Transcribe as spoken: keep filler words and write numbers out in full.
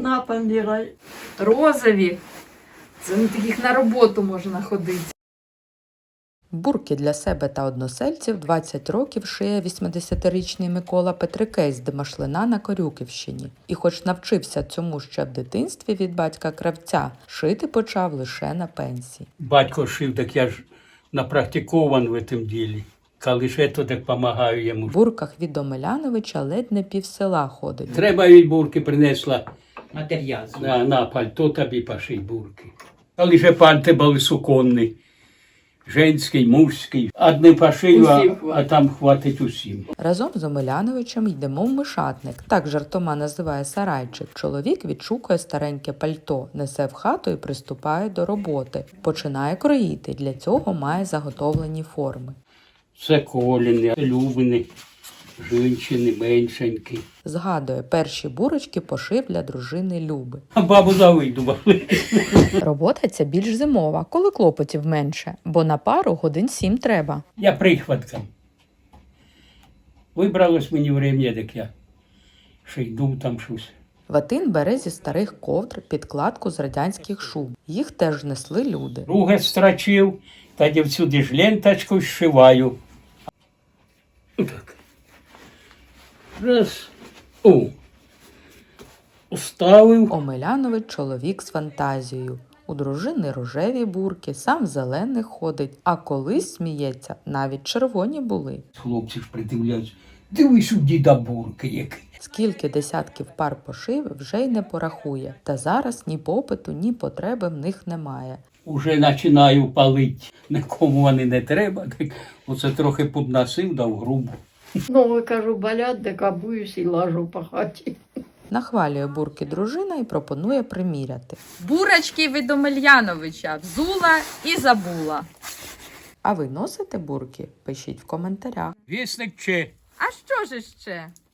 вікна поміряй. Розові. Це на таких на роботу можна ходити. Бурки для себе та односельців двадцять років шиє вісімдесятирічний Микола Петрикей з Димашлина на Корюківщині. І хоч навчився цьому ще в дитинстві від батька-кравця, шити почав лише на пенсії. Батько шив, так я ж напрактикован в цьому ділі. Коли ж то, так допомагаю йому. В бурках від Омеляновича ледь не пів села ходить. Треба від бурки принесла Матеріал. на, на пальто тобі пошить бурки. Коли ж пальти були суконні, женський, мужський. Одне пошию, а, а там хватить усім. Разом з Омеляновичем йдемо в Мишатник, так жартома називає сарайчик. Чоловік відшукує стареньке пальто, несе в хату і приступає до роботи. Починає кроїти, для цього має заготовлені форми. Це коліни, любини, жінчини, меншенькі. Згадує, перші бурочки пошив для дружини Люби. А бабу завидували. Робота ця більш зимова, коли клопотів менше, бо на пару годин сім треба. Я прихватком. Вибралось мені время, так я ще йду там щось. Ватин бере зі старих ковдр підкладку з радянських шуб. Їх теж несли люди. Друге строчив, тоді всюди ж ленточку зшиваю. Так. Раз. О. Уставив. Омелянович – чоловік з фантазією. У дружини рожеві бурки, сам в зелених ходить, а колись, сміється, навіть червоні були. Хлопці ж придивляються. Дивись, у діда бурки які. Скільки десятків пар пошив, вже й не порахує. Та зараз ні попиту, ні потреби в них немає. Уже починаю палити. Нікому вони не треба. Так оце трохи подносив, дав грубо. Ноги, кажу, болять, так обуюсь і лажу по хаті. Нахвалює бурки дружина і пропонує приміряти. Бурочки від Омельяновича. Взула і забула. А ви носите бурки? Пишіть в коментарях. Вісник че. А що ж іще?